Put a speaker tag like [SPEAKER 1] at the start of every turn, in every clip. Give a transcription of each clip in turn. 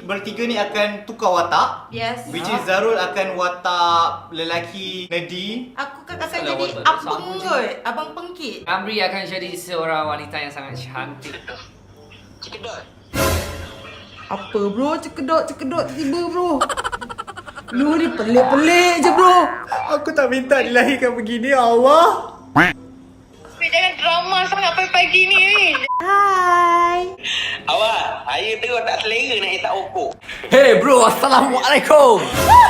[SPEAKER 1] bertiga ni akan tukar watak.
[SPEAKER 2] Yes.
[SPEAKER 1] Which is Zarul akan watak lelaki nerdy.
[SPEAKER 2] Aku akan
[SPEAKER 3] Salah
[SPEAKER 2] jadi
[SPEAKER 3] watak
[SPEAKER 2] abang
[SPEAKER 3] sama je.
[SPEAKER 2] kot. Abang pengkit.
[SPEAKER 3] Amri akan jadi seorang wanita yang sangat cantik.
[SPEAKER 4] Cekedot.
[SPEAKER 2] Apa bro? Cekedok tiba-tiba bro. Lu ni pelik-pelik je bro.
[SPEAKER 1] Aku tak minta dilahirkan begini, Allah.
[SPEAKER 4] Jangan drama sangat pagi-pagi ni.
[SPEAKER 2] Hai.
[SPEAKER 4] Awak, saya terus tak selera nak letak okok.
[SPEAKER 3] Hey bro, Assalamualaikum.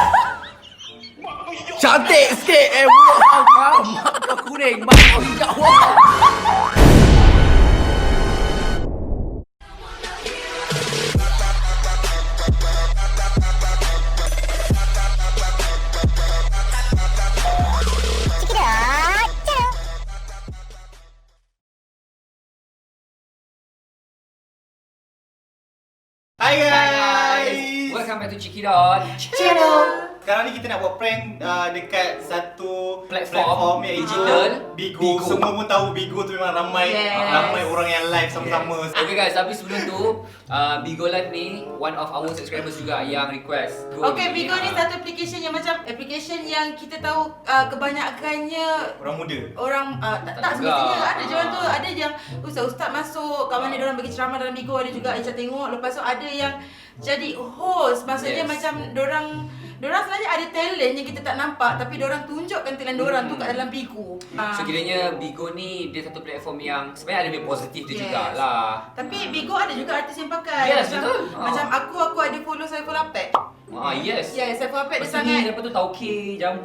[SPEAKER 3] Cantik sikit bro. Mak kau kuning, mak kau hijau.
[SPEAKER 1] Hai guys.
[SPEAKER 3] Welcome back to Cikidot.
[SPEAKER 1] Channel. Sekarang ni kita nak buat prank dekat satu
[SPEAKER 3] Platform
[SPEAKER 1] iaitu
[SPEAKER 3] digital.
[SPEAKER 1] Bigo.
[SPEAKER 3] Bigo.
[SPEAKER 1] Semua pun tahu Bigo tu memang ramai orang yang live sama-sama.
[SPEAKER 3] Okay guys, tapi sebelum tu Bigo Live ni one of our subscribers juga yang request.
[SPEAKER 2] Okay, Bigo ni satu application yang macam application yang kita tahu kebanyakannya
[SPEAKER 1] Orang muda.
[SPEAKER 2] orang tak
[SPEAKER 3] juga.
[SPEAKER 2] semestinya ada je orang tu, ada yang ustaz-ustaz masuk kat mana dia orang bagi ceramah dalam Bigo, ada juga Aisyah tengok, lepas tu ada yang jadi host, maksudnya
[SPEAKER 3] Yes.
[SPEAKER 2] macam dorang sebenarnya ada talent yang kita tak nampak tapi dorang tunjukkan talent dorang tu kat dalam Bigo.
[SPEAKER 3] So kiranya Bigo ni dia satu platform yang sebenarnya ada lebih positif dia
[SPEAKER 2] Yes.
[SPEAKER 3] jugalah.
[SPEAKER 2] Tapi Bigo ada juga artis yang pakai.
[SPEAKER 3] Yes,
[SPEAKER 2] macam,
[SPEAKER 3] betul.
[SPEAKER 2] Macam aku ada follow Saiful Apek.
[SPEAKER 3] Yes.
[SPEAKER 2] Yes, Saiful Apek dia
[SPEAKER 3] Lepas tu
[SPEAKER 2] sangat.
[SPEAKER 3] ni, lepas tu tauke, jambu.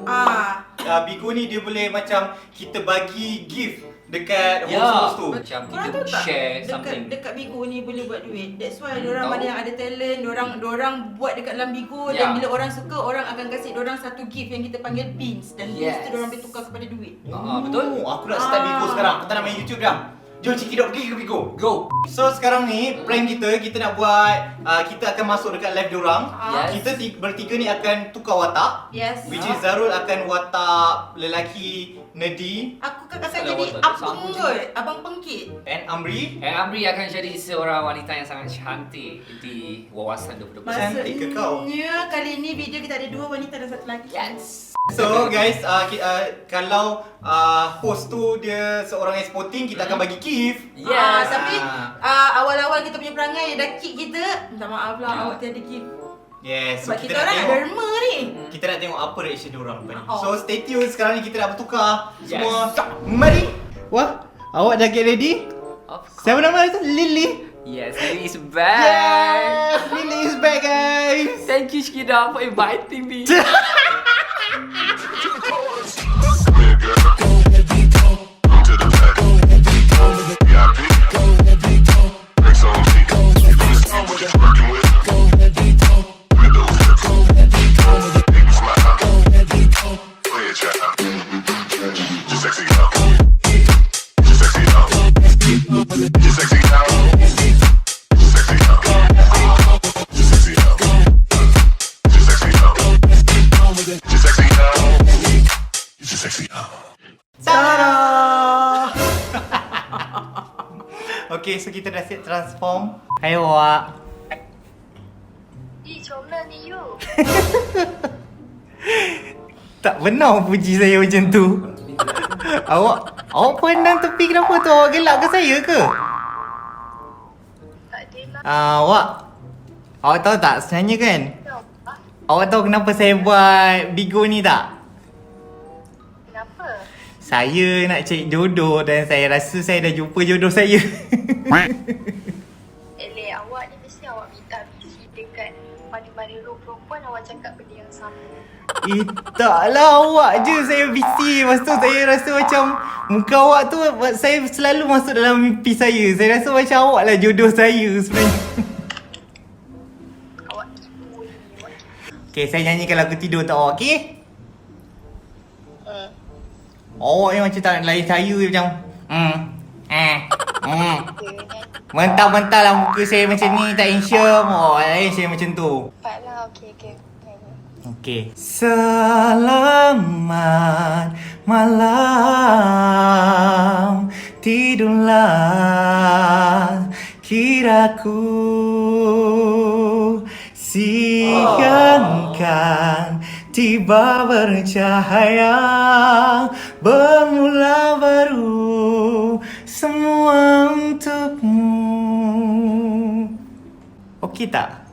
[SPEAKER 1] Bigo ni dia boleh macam kita bagi gift dekat
[SPEAKER 3] Ya.
[SPEAKER 1] host-host tu.
[SPEAKER 3] Macam
[SPEAKER 2] Korang
[SPEAKER 3] kita
[SPEAKER 2] tahu tak
[SPEAKER 3] share something.
[SPEAKER 2] dekat Bigo ni boleh buat duit. That's why diorang
[SPEAKER 3] Tahu.
[SPEAKER 2] ada yang ada talent, diorang buat dekat dalam Bigo
[SPEAKER 3] Ya.
[SPEAKER 2] dan bila orang suka, orang akan kasih diorang satu gift yang kita panggil pins dan pins
[SPEAKER 3] Yes.
[SPEAKER 2] tu diorang boleh tukar kepada duit.
[SPEAKER 3] Betul?
[SPEAKER 1] Aku nak start Bigo sekarang. Aku tak nak main YouTube dah. Jom Cikidot pergi ke Bigo.
[SPEAKER 3] Go.
[SPEAKER 1] So sekarang ni prank kita nak buat kita akan masuk dekat live diorang.
[SPEAKER 3] Yes.
[SPEAKER 1] Kita bertiga ni akan tukar watak.
[SPEAKER 2] Yes.
[SPEAKER 1] Which is Zarul akan watak lelaki nerdy
[SPEAKER 2] Aku akan
[SPEAKER 3] Salah
[SPEAKER 2] jadi
[SPEAKER 3] watak
[SPEAKER 2] abang
[SPEAKER 3] sama je.
[SPEAKER 2] kot, abang pengkit.
[SPEAKER 1] and Amri.
[SPEAKER 3] Amri akan jadi seorang wanita yang sangat cantik di wawasan 2020.
[SPEAKER 1] Cantik ke kau?
[SPEAKER 2] Maksudnya kali ni video kita ada dua wanita dan satu lelaki.
[SPEAKER 3] Yes.
[SPEAKER 1] So guys, kalau host tu dia seorang yang sporting, kita akan bagi gift.
[SPEAKER 3] Yes.
[SPEAKER 2] Tapi awal-awal kita punya perangai dah kick kita. Minta maaf lah,
[SPEAKER 3] Ya.
[SPEAKER 2] awak tiada gift.
[SPEAKER 1] Yes, so
[SPEAKER 2] Sebab kita
[SPEAKER 1] nak
[SPEAKER 2] orang nak
[SPEAKER 1] tengok.
[SPEAKER 2] derma ni.
[SPEAKER 1] Kita nak tengok apa reaction diorang lepas ni.
[SPEAKER 2] Oh.
[SPEAKER 1] So stay tune, sekarang ni kita nak bertukar
[SPEAKER 3] Yes.
[SPEAKER 1] semua. Mari. Wah, awak dah get ready?
[SPEAKER 3] Of course.
[SPEAKER 1] Siapa nama tu? Lily.
[SPEAKER 3] Yes, Lily is back.
[SPEAKER 1] Yes, Lily is back guys.
[SPEAKER 3] Thank you Cikidot for inviting me.
[SPEAKER 1] Tada! Okay, so kita dah siap transform. Hai awak.
[SPEAKER 5] Macam mana ni you?
[SPEAKER 1] Tak benar puji saya macam tu. Awak pandang tepi kenapa tu? Awak gelak ke saya ke?
[SPEAKER 5] Tak adalah.
[SPEAKER 1] Awak tahu tak sebenarnya kan?
[SPEAKER 5] Kenapa?
[SPEAKER 1] Awak tahu kenapa saya buat Bigo ni tak?
[SPEAKER 5] Kenapa?
[SPEAKER 1] Saya nak cari jodoh dan saya rasa saya dah jumpa jodoh saya.
[SPEAKER 5] Eleh, awak ni mesti awak minta visi dekat mana-mana room perempuan awak cakap benda yang sama.
[SPEAKER 1] Taklah awak je saya busy. Lepas tu saya rasa macam muka awak tu saya selalu masuk dalam mimpi saya. Saya rasa macam awak lah jodoh saya sebenarnya.
[SPEAKER 5] Awak tipu ni. Awak tipu.
[SPEAKER 1] Okay, saya nyanyikan lagu tidur untuk awak, okay? Awak yang macam tak nak layan saya macam mentah-mentah lah muka saya macam ni, tak handsome. Layan saya macam tu.
[SPEAKER 5] Cepatlah, okey.
[SPEAKER 1] Okay. Selamat malam, tidurlah kiraku. Siangkan tiba bercahaya, bermula baru semua untukmu. Okey tak?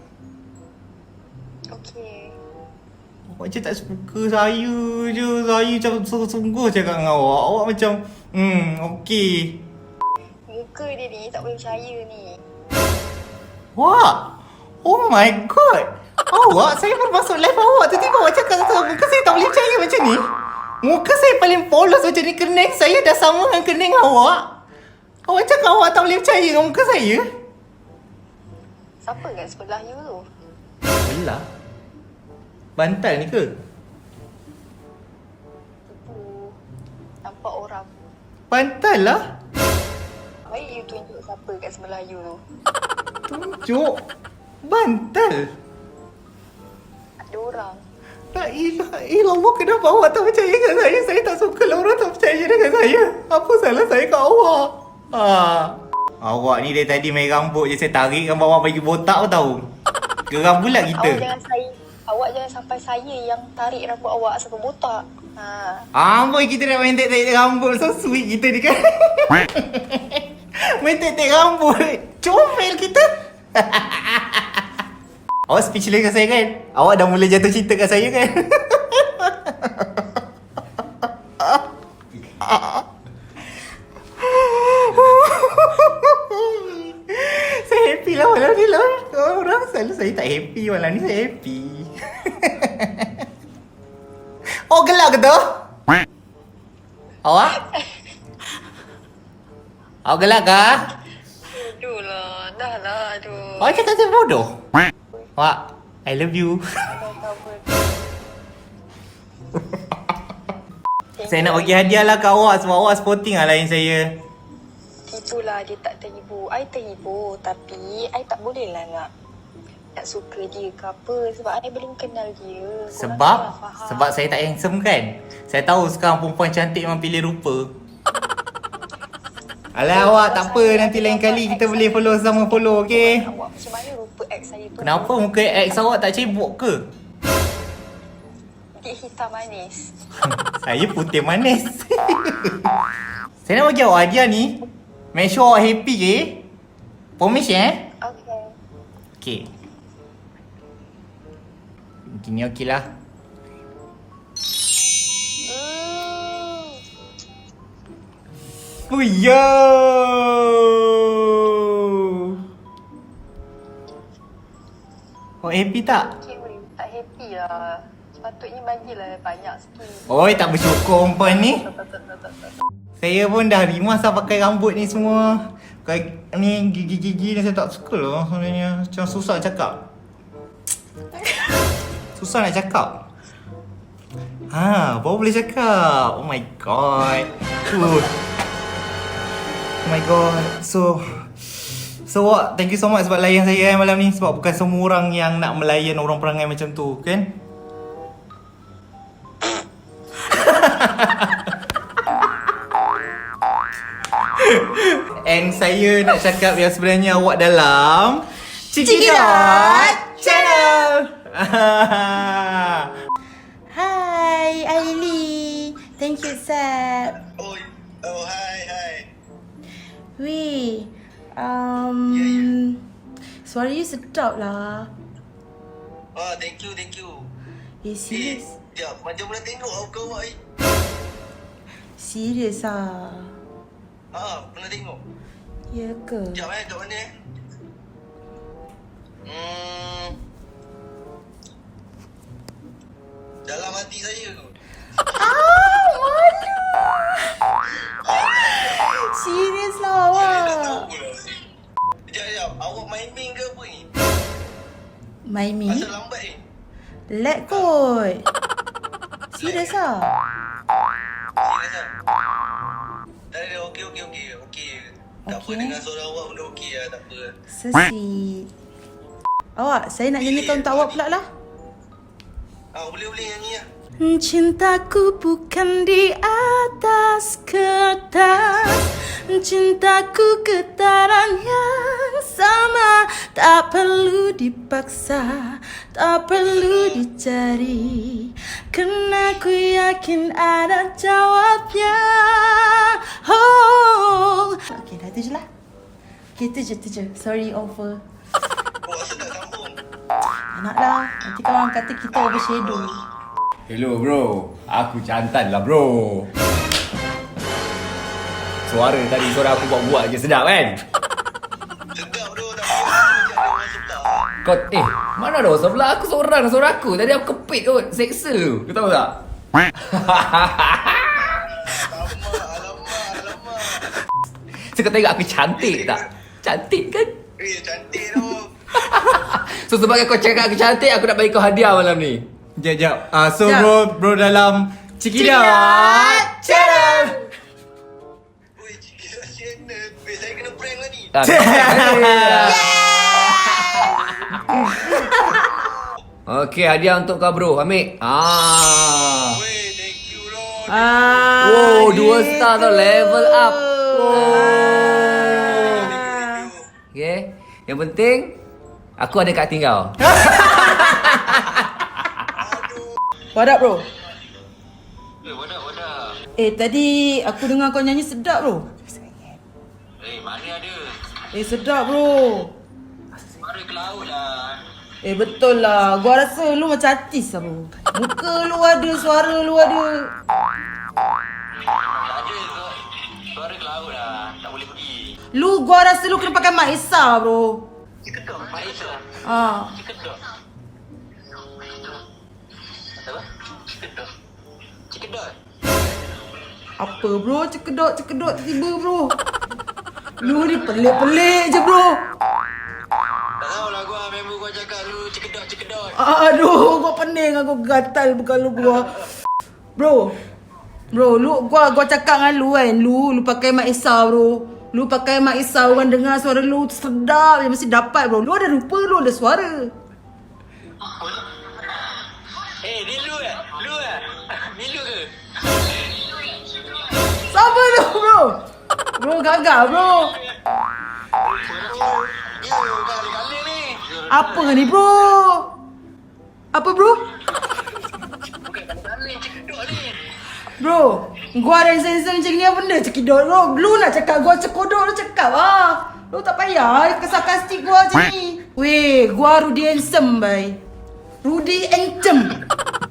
[SPEAKER 5] Okey.
[SPEAKER 1] Awak macam tak suka saya je. Saya macam sungguh-sungguh cakap dengan awak. Awak macam okey.
[SPEAKER 5] Muka dia ni tak boleh percaya ni.
[SPEAKER 1] Wah, oh my god. Awak, saya baru masuk live awak. Tiba-tiba awak cakap muka saya tak boleh percaya macam ni. Muka saya paling polos macam ni. Kening saya dah sama dengan kening awak. Awak cakap awak tak boleh percaya dengan muka saya.
[SPEAKER 5] Siapa kat sebelah you tu?
[SPEAKER 1] Belah? Bantal ni ke?
[SPEAKER 5] Itu nampak orang.
[SPEAKER 1] Bantal lah.
[SPEAKER 5] Baik you tunjuk siapa kat sebelah you tu.
[SPEAKER 1] Tunjuk. Bantal.
[SPEAKER 5] Ada orang.
[SPEAKER 1] La ilaha illallah, kenapa awak tak percaya dengan saya? Saya tak suka lah orang tak percaya dengan saya. Apa salah saya kat awak? Awak ni dari tadi main rambut je, saya tarik rambut awak bagi botak tahu. Geram pula kita.
[SPEAKER 5] Awak jangan sampai saya yang tarik rambut awak sampai botak.
[SPEAKER 1] Amboi, kita nak main tek-tek rambut. So sweet kita ni kan. Main tek-tek rambut. Comel kita. Awak speechless kat saya kan? Awak dah mula jatuh cinta kat saya kan? Saya happy lah malam ni lah. Orang selalu saya tak happy. Malam ni saya happy. Oh, gelak ke tu? Awak? Awak gelak ke?
[SPEAKER 5] Aduh lah, dah lah, aduh.
[SPEAKER 1] Awak cakap saya bodoh? Awak, I love you. Saya nak bagi hadiah lah kat awak sebab awak sporting lah lain saya.
[SPEAKER 5] Itulah dia tak terhibur. I terhibur tapi I tak boleh lah nak suka dia ke apa sebab I belum kenal dia. Korang salah faham.
[SPEAKER 1] Sebab saya tak handsome kan? Saya tahu sekarang perempuan cantik memang pilih rupa. Alah awak, tak apa, nanti lain kali kita boleh follow sama follow, okey?
[SPEAKER 5] Awak macam mana rupa ex saya tu?
[SPEAKER 1] Kenapa muka ex awak tak cebok ke?
[SPEAKER 5] Dia hitam manis.
[SPEAKER 1] Saya putih manis. Saya nak bagi awak hadiah ni. Make sure awak happy, okay? Promise
[SPEAKER 5] Okay.
[SPEAKER 1] Okay. Gini okey lah. Oh yo! Awak happy tak?
[SPEAKER 5] Okay, tak happy lah. Sepatutnya bagilah banyak sikit.
[SPEAKER 1] Oi, tak bersyukur perempuan ni. Saya pun dah rimas lah pakai rambut ni semua. Pakai ni gigi-gigi ni saya tak suka lah sebenarnya. Macam susah nak cakap. Susah nak cakap. Baru boleh cakap. Oh my god. Oh my god. So what? Thank you so much sebab layan saya malam ni. Sebab bukan semua orang yang nak melayan orang perangai macam tu, kan? And saya nak cakap yang sebenarnya awak dalam Cikidot Channel.
[SPEAKER 2] Hi, Aili. Thank you, Sab.
[SPEAKER 6] Oh, hi.
[SPEAKER 2] Weh, suara you sedap lah.
[SPEAKER 6] Oh, thank you.
[SPEAKER 2] Serius?
[SPEAKER 6] Sekejap, macam mana tengok kau awak ni?
[SPEAKER 2] Serius ah?
[SPEAKER 6] Pernah tengok?
[SPEAKER 2] Ya ke?
[SPEAKER 6] Sekejap kat mana dalam hati saya tu.
[SPEAKER 2] Malu. Serius lah awak.
[SPEAKER 6] Sekejap, awak main main ke apa ni?
[SPEAKER 2] My me?
[SPEAKER 6] Asal lambat ni?
[SPEAKER 2] Let kot. Serius ah?
[SPEAKER 6] Serius lah? Dah, okey. Tak apa,
[SPEAKER 2] Okey.
[SPEAKER 6] dengan suara awak pun dah okey lah, tak apa.
[SPEAKER 2] So sweet. Awak, saya nak nyanyikan untuk awak pula lah.
[SPEAKER 6] Boleh nyanyi lah.
[SPEAKER 2] Cintaku bukan di atas kertas, cintaku getaran yang sama. Tak perlu dipaksa, tak perlu dicari, karena ku yakin ada jawabnya. Oh. Okay, dah tu je lah. Okay, tu je. Sorry over.
[SPEAKER 6] Kau rasa tak sambung?
[SPEAKER 2] Nak lah, nanti kawan kata kita overshadow.
[SPEAKER 3] Hello bro, aku jantan lah bro. Suara aku buat-buat je sedap kan?
[SPEAKER 6] Sedap bro, tapi macam ada orang sebelah.
[SPEAKER 3] Kau, mana ada orang sebelah aku seorang suara aku. Tadi aku kepit kot, seksa. Kau tahu tak?
[SPEAKER 6] Alamak.
[SPEAKER 3] So kau tengok aku cantik tak? Cantik kan?
[SPEAKER 6] Cantik tu.
[SPEAKER 3] So sebagai kau cakap aku cantik, aku nak bagi kau hadiah malam ni.
[SPEAKER 1] Jap. So bro dalam Cikidat Channel.
[SPEAKER 6] Oi, Cikidat Channel. Weh, saya kena prank lah ni.
[SPEAKER 3] Okey, hadiah untuk kau bro. Ambil.
[SPEAKER 6] Weh, thank you bro.
[SPEAKER 3] Wow, 2 star tau. Level up. Okay. Yang penting, aku ada kat tinggal.
[SPEAKER 2] What up bro?
[SPEAKER 6] Wadah.
[SPEAKER 2] Tadi aku dengar kau nyanyi sedap bro.
[SPEAKER 6] Mana ada?
[SPEAKER 2] Sedap bro.
[SPEAKER 6] Suara ke laut lah.
[SPEAKER 2] Betul lah. Gua rasa lu macam artis lah bro. Muka lu ada, suara lu ada.
[SPEAKER 6] Tak ada. Suara ke laut lah. Tak boleh pergi.
[SPEAKER 2] Gua rasa lu kena pakai mic Esa bro.
[SPEAKER 6] Ciketok. Malaysia. Ciketok. Apa? Ciketot.
[SPEAKER 2] Apa bro? Cekedot tiba-tiba bro. Lu ni pelik-pelik je bro.
[SPEAKER 6] Tak tahulah gua, member gua cakap lu ciketot.
[SPEAKER 2] Aduh, gua pening, aku gatal bukan lu gua. Bro, gua cakap dengan lu kan, lu pakai mic Esa bro. Lu pakai mic Esa, orang dengar suara lu sedap, dia mesti dapat bro. Lu ada rupa, lu ada suara.
[SPEAKER 6] Ni lu ke? Ni lu ke?
[SPEAKER 2] Siapa tu bro? Bro gagal bro.
[SPEAKER 6] Ya, kali-kali ni.
[SPEAKER 2] Apa ni bro? Apa bro?
[SPEAKER 6] Bukan kali-kali ciketot ni.
[SPEAKER 2] Bro, gua ada sensor macam ni apa benda cekidot bro. Lu nak cakap gua cekodok, lu cakap lah. Lu tak payah sarkastik gua macam ni. Weh, gua Rudy Handsome bai. Rudy Handsome.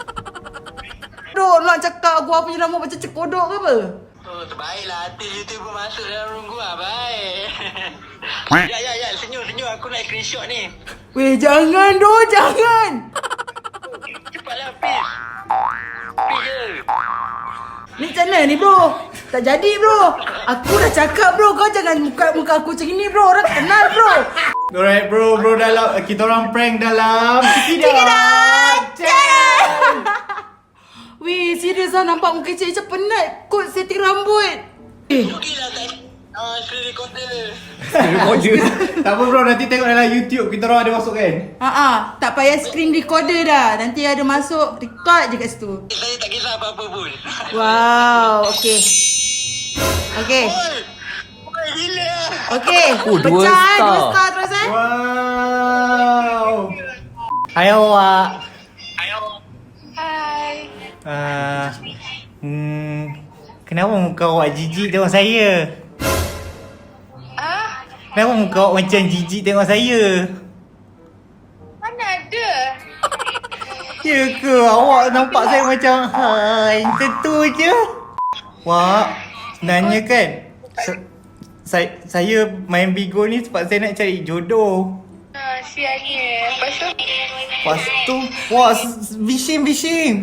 [SPEAKER 2] Bro, nak cakap gua punya nama macam cekodok ke apa?
[SPEAKER 6] Oh, terbaiklah artis YouTuber masuk dalam room gua, baik. Ya, senyum. Aku nak screenshot ni.
[SPEAKER 2] Weh, jangan doh, jangan.
[SPEAKER 6] Cepatlah, please. Please je.
[SPEAKER 2] Ni macam mana ni bro? Tak jadi bro. Aku dah cakap bro, kau jangan muka aku macam ni bro. Orang kenal bro.
[SPEAKER 1] Alright bro dalam kita orang prank dalam Cikidat Channel.
[SPEAKER 2] Weh, serius lah nampak muka cik macam penat kot setting rambut.
[SPEAKER 6] Okey lah, tak. Screen recorder.
[SPEAKER 1] Tak apa bro, nanti tengok dalam YouTube kita orang ada masuk kan.
[SPEAKER 2] Tak payah screen recorder dah. Nanti ada masuk, record je kat situ.
[SPEAKER 6] Saya tak kisah apa-apa pun.
[SPEAKER 2] Wow, okey.
[SPEAKER 6] Oi, gila.
[SPEAKER 2] Okey,
[SPEAKER 3] Oh, 2
[SPEAKER 2] pecah
[SPEAKER 3] star.
[SPEAKER 2] 2 star terus
[SPEAKER 1] Wow. Hai awak.
[SPEAKER 4] Hai.
[SPEAKER 1] Kenapa muka awak jijik tengok saya? Kenapa muka awak macam jijik tengok saya?
[SPEAKER 4] Mana ada?
[SPEAKER 1] Ya ke? Awak nampak saya macam hai, tentu je. Wah, sebenarnya kan saya main Bigo ni sebab saya nak cari jodoh.
[SPEAKER 4] Sianya.
[SPEAKER 1] Lepas tu, wah, bishing.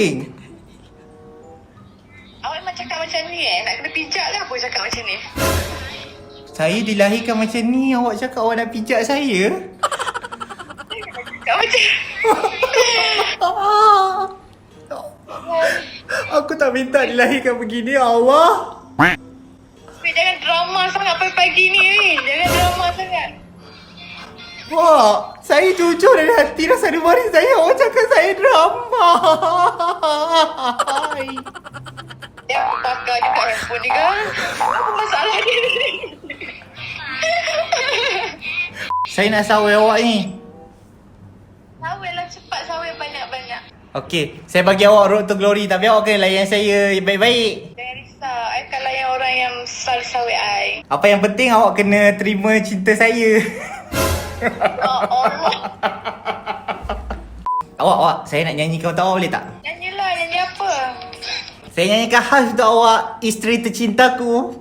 [SPEAKER 4] Awak memang cakap macam ni Nak kena pijak ke apa cakap macam ni?
[SPEAKER 1] Saya dilahirkan macam ni, awak cakap awak nak pijak saya?
[SPEAKER 4] Cakap macam
[SPEAKER 1] Aku tak minta dilahirkan begini, Allah.
[SPEAKER 4] Jangan drama sangat pagi-pagi ni. Jangan drama sangat.
[SPEAKER 1] Wah, saya jujur dari hati rasa ada maris saya. Awak cakap saya saya drama.
[SPEAKER 4] Yang aku pakar juga handphone ni kan. Apa masalah dia ni?
[SPEAKER 1] Saya nak sawai awak ni.
[SPEAKER 4] Sawai lah cepat, sawai banyak-banyak.
[SPEAKER 1] Okey, saya bagi awak road to glory tapi awak kena layan saya baik-baik.
[SPEAKER 4] Jangan risau, I akan layan orang yang selalu sawai I.
[SPEAKER 1] Apa yang penting awak kena terima cinta saya.
[SPEAKER 4] Oh, Allah.
[SPEAKER 1] Awak, saya nak nyanyikan untuk awak boleh tak?
[SPEAKER 4] Nyanyilah, nyanyi apa?
[SPEAKER 1] Saya nyanyikan khas untuk awak, isteri tercintaku.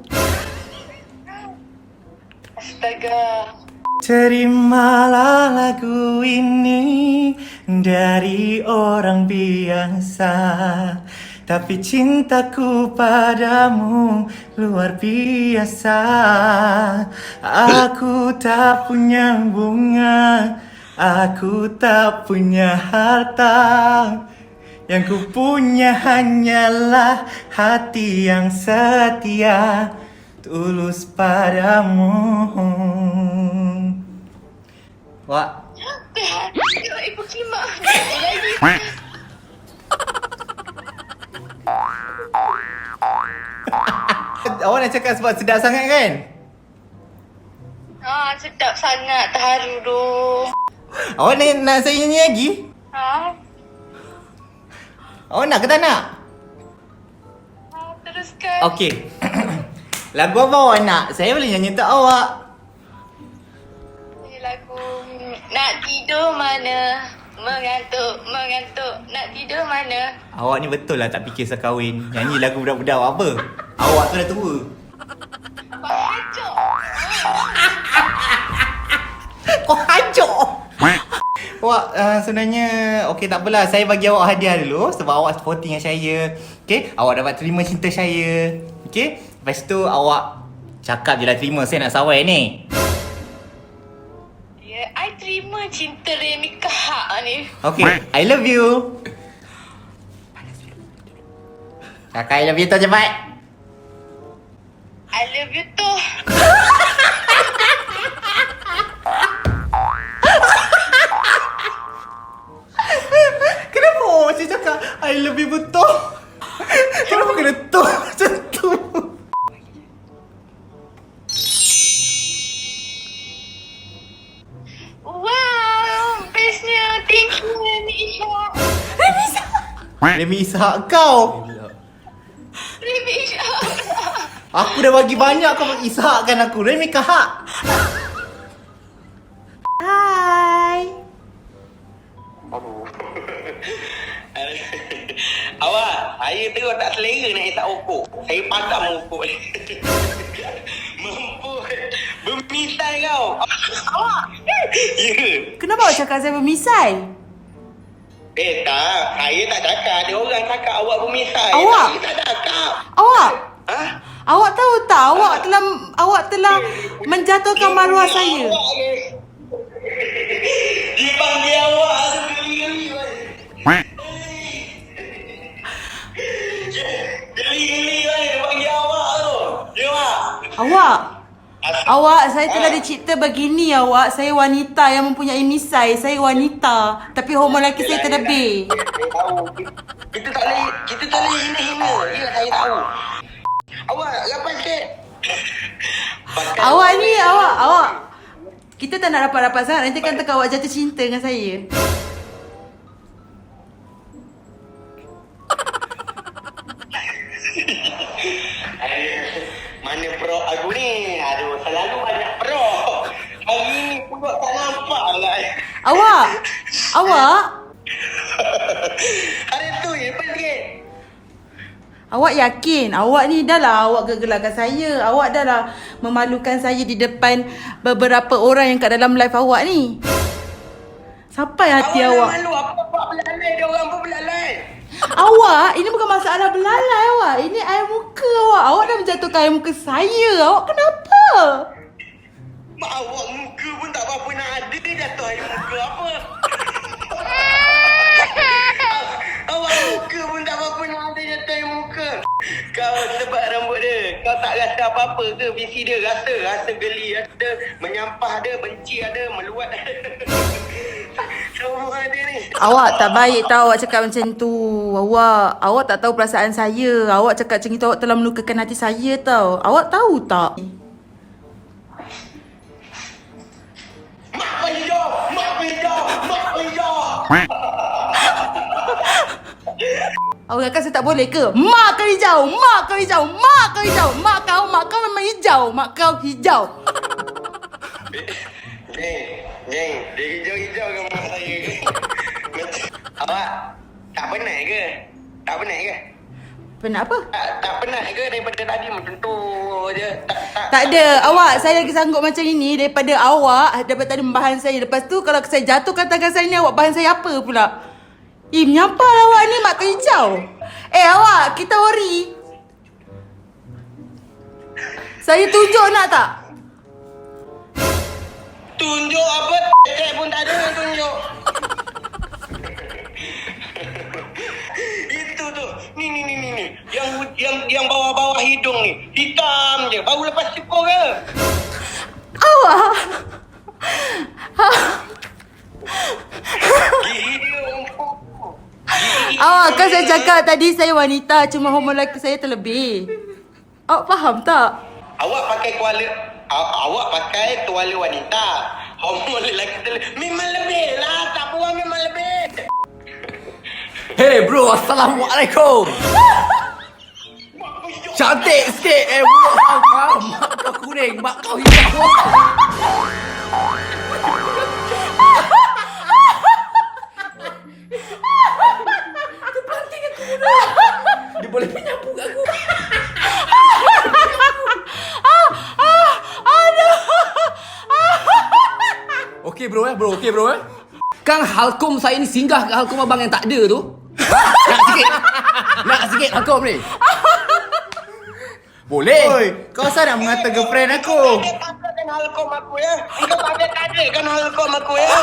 [SPEAKER 4] Astaga.
[SPEAKER 1] Terimalah lagu ini dari orang biasa, tapi cintaku padamu luar biasa. Aku tak punya bunga, aku tak punya harta, yang ku punya hanyalah hati yang setia, tulus padamu. Wak,
[SPEAKER 4] Tengok ibu kimak.
[SPEAKER 1] awak nak cakap sebab sedap sangat kan?
[SPEAKER 4] Sedap sangat, terharu tu.
[SPEAKER 1] Awak nak saya nyanyi lagi? Awak nak ke tak nak?
[SPEAKER 4] Teruskan.
[SPEAKER 1] Okey. Lagu apa awak nak? Saya boleh nyanyi untuk awak.
[SPEAKER 4] Ini lagu Nak tidur mana? Mengantuk, mengantuk. Nak tidur mana?
[SPEAKER 1] Awak ni betul lah tak fikir sekahwin. Nyanyi lagu budak-budak awak apa? Awak tu dah tua.
[SPEAKER 4] Kau hancur.
[SPEAKER 1] Kau hancur. Awak sebenarnya okey tak apalah. Saya bagi awak hadiah dulu sebab awak sporting dengan saya. Okey, awak dapat terima cinta saya. Okey, lepas tu awak cakap je lah terima saya nak sawai ni.
[SPEAKER 4] Ya, I terima cinta Remy Kahak ni.
[SPEAKER 1] Okey, I love you. Kakak I love you tu cepat.
[SPEAKER 4] I love you tu.
[SPEAKER 1] Kenapa awak macam cakap I love you betul? Kenapa kena tu macam tu?
[SPEAKER 4] Wow, bestnya. Thank you, Remy Ishak.
[SPEAKER 1] Remy Ishak kau.
[SPEAKER 4] Remy Ishak.
[SPEAKER 1] Aku dah bagi banyak kau ishakkan aku. Remy Kahak. Hai.
[SPEAKER 6] Awak, saya terus tak selera nak tak okok. Saya padam okok ni. Mampu bermisai kau.
[SPEAKER 4] Awak.
[SPEAKER 6] Ya.
[SPEAKER 2] Kenapa awak cakap saya bermisai?
[SPEAKER 6] Tak, saya tak cakap. Ada orang cakap awak bermisai.
[SPEAKER 2] Awak?
[SPEAKER 6] Saya tak cakap.
[SPEAKER 2] Awak?
[SPEAKER 6] Ha?
[SPEAKER 2] Awak tahu tak awak telah menjatuhkan maruah saya.
[SPEAKER 6] Awak ke? Dia panggil awak geli-geli. Geli-geli dia panggil awak tu. Ya, Mak?
[SPEAKER 2] Awak, saya telah dicipta begini awak. Saya wanita yang mempunyai misai. Saya wanita. Tapi hormon lelaki saya terlebih.
[SPEAKER 6] Saya tahu. Kita tak boleh hina-hina. Ya, saya tahu. Awak rapat sikit.
[SPEAKER 2] Awak ni, awak. Kita tak nak rapat-rapat sangat. Nanti kan tekak awak jatuh cinta dengan saya.
[SPEAKER 6] Mana pro aku ni? Aduh, selalu banyak pro. Hari ni pun tak nampak lah.
[SPEAKER 2] Awak.
[SPEAKER 6] Hari tu je, lepas sikit.
[SPEAKER 2] Awak yakin? Awak ni dah lah awak gegelarkan saya. Awak dah lah memalukan saya di depan beberapa orang yang kat dalam live awak ni. Sampai hati awak.
[SPEAKER 6] Malu apa buat belalai, dia orang pun belalai.
[SPEAKER 2] Awak, ini bukan masalah belalai awak. Ini air muka awak. Awak dah menjatuhkan air muka saya. Awak kenapa?
[SPEAKER 6] Mak awak muka pun tak apa-apa nak ada, jatuh air muka apa. Awak muka pun tak apa-apa nak ada, jatuh air muka. Kau sebab rambut dia, kau tak rasa apa-apa ke visi dia? Rasa geli ada, menyampah ada, benci ada, meluat ada. rumah dia ni.
[SPEAKER 2] Awak tak baik tau awak cakap macam tu. Awak tak tahu perasaan saya. Awak cakap macam itu awak telah melukakan hati saya tau. Awak tahu tak?
[SPEAKER 6] Mak hijau! Mak hijau! Mak hijau!
[SPEAKER 2] Awak kata saya tak boleh ke? Mak kau hijau! Mak kau hijau! Mak kau hijau! Mak kau memang hijau! Mak kau hijau!
[SPEAKER 6] Jeng, dia hijau-hijau ke mak saya? Awak tak penat ke? Tak penat ke?
[SPEAKER 2] Penat apa?
[SPEAKER 6] Tak penat ke daripada tadi macam tu je?
[SPEAKER 2] Tak ada. Awak, saya lagi sanggup macam ini daripada awak, daripada tadi membahan saya. Lepas tu kalau saya jatuhkan tangan saya ni, awak bahan saya apa pula? Menyampah awak ni mak kau hijau. Awak, kita ori. Saya tunjuk nak tak?
[SPEAKER 6] Tunjuk apa? Cek pun tak ada tunjuk. Itu tu. Ni. Yang bawah-bawah hidung ni. Hitam je. Baru lepas syukur ke?
[SPEAKER 2] Awak.
[SPEAKER 6] Gila empuk.
[SPEAKER 2] Awak kan saya cakap tadi saya wanita, cuma hormon lelaki saya terlebih. Awak faham tak?
[SPEAKER 6] Awak pakai tuala wanita. Hormon lelaki memang lebih lah. Tak buang memang lebih.
[SPEAKER 3] Hey bro, Assalamualaikum. Cantik sikit. Bro, faham. Mak kau kuning, mak kau hijau. Dia boleh menyapu kat aku. Okey bro bro, okey bro Kang halkom saya ni singgah kat halkom abang yang tak ada tu. Nak sikit halkom ni. Boleh.
[SPEAKER 1] Oi, kau asal nak mengata girlfriend aku?
[SPEAKER 6] Dia tak ada kan halkom aku ya. Kau tak ada kan halkom aku ya.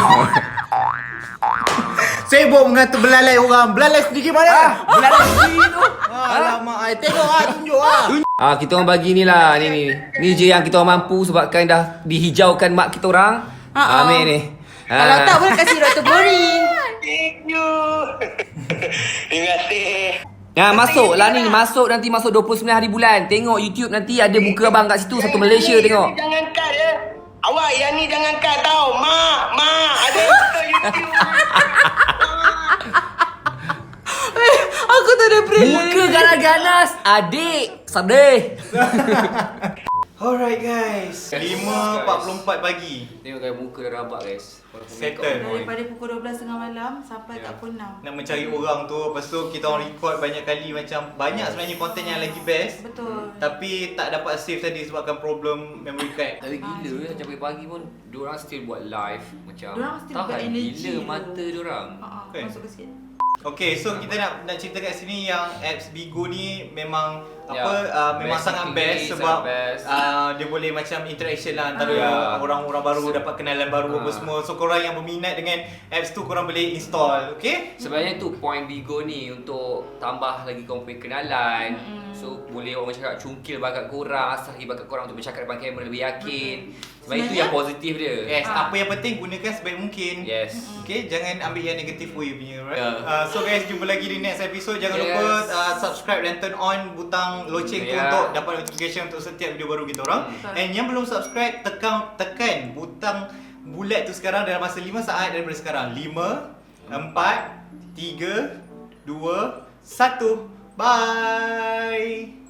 [SPEAKER 1] Sibuk mengata belalai orang. Belalai sedikit mana?
[SPEAKER 3] Belalai sendiri tu.
[SPEAKER 1] Alamak, tengok tunjuk
[SPEAKER 3] Kita orang bagi ni lah. Ni je yang kita orang mampu sebabkan dah dihijaukan mak kita orang. Ambil ni.
[SPEAKER 2] Kalau tak boleh kasih Dr. Bori.
[SPEAKER 6] Thank you. Terima kasih.
[SPEAKER 3] Masuk lah ni. Nanti masuk 29 hari bulan. Tengok YouTube nanti ada muka abang kat situ. Satu Malaysia tengok.
[SPEAKER 6] Jangan cut ya. Awak yang ni jangan cut tau. Mak. Ada YouTube.
[SPEAKER 2] Aku tak ada pressure.
[SPEAKER 3] Muka ganas-ganas. Adik. Sedih.
[SPEAKER 1] Alright guys, 5.44 pagi.
[SPEAKER 3] Tengok kan muka dah rabak guys.
[SPEAKER 1] Settle.
[SPEAKER 2] Daripada pukul 12 tengah malam sampai kat pukul 6.
[SPEAKER 1] Nak mencari orang tu. Lepas tu kita orang record banyak kali. Macam banyak sebenarnya konten yang lagi best.
[SPEAKER 2] Betul.
[SPEAKER 1] Tapi tak dapat save tadi sebabkan problem memory card.
[SPEAKER 3] Tapi gila macam pagi-pagi pun diorang still buat live. Macam
[SPEAKER 2] Diorang still buat
[SPEAKER 3] tahan
[SPEAKER 2] energy
[SPEAKER 3] gila
[SPEAKER 2] tu.
[SPEAKER 3] mata diorang.
[SPEAKER 1] Okay.
[SPEAKER 2] Masuk ke sikit.
[SPEAKER 1] Okay, so kita nak cerita kat sini yang apps Bigo ni memang
[SPEAKER 3] Ya,
[SPEAKER 1] memang
[SPEAKER 3] best
[SPEAKER 1] sangat
[SPEAKER 3] activity,
[SPEAKER 1] best sebab
[SPEAKER 3] sangat best.
[SPEAKER 1] dia boleh macam interaction lah antara
[SPEAKER 3] Ya.
[SPEAKER 1] orang-orang baru, dapat kenalan baru apa semua. So korang yang berminat dengan apps tu korang boleh install, okay?
[SPEAKER 3] Sebenarnya tu point Bigo ni untuk tambah lagi korang punya kenalan. So boleh orang cakap cungkil bakat korang, asal lagi bakat korang untuk bercakap depan kamera lebih yakin. Sebab itu yang positif dia.
[SPEAKER 1] Yes, apa yang penting gunakan sebaik mungkin.
[SPEAKER 3] Yes.
[SPEAKER 1] Okay, jangan ambil yang negatif way punya, right?
[SPEAKER 3] Yeah.
[SPEAKER 1] So guys, jumpa lagi di next episode. Jangan
[SPEAKER 3] Yes.
[SPEAKER 1] lupa subscribe dan turn on butang loceng tu
[SPEAKER 3] Yeah.
[SPEAKER 1] untuk dapat notification untuk setiap video baru kita orang. And yang belum subscribe, tekan butang bulat tu sekarang dalam masa 5 saat daripada sekarang. 5, 4, 3, 2, 1. Bye.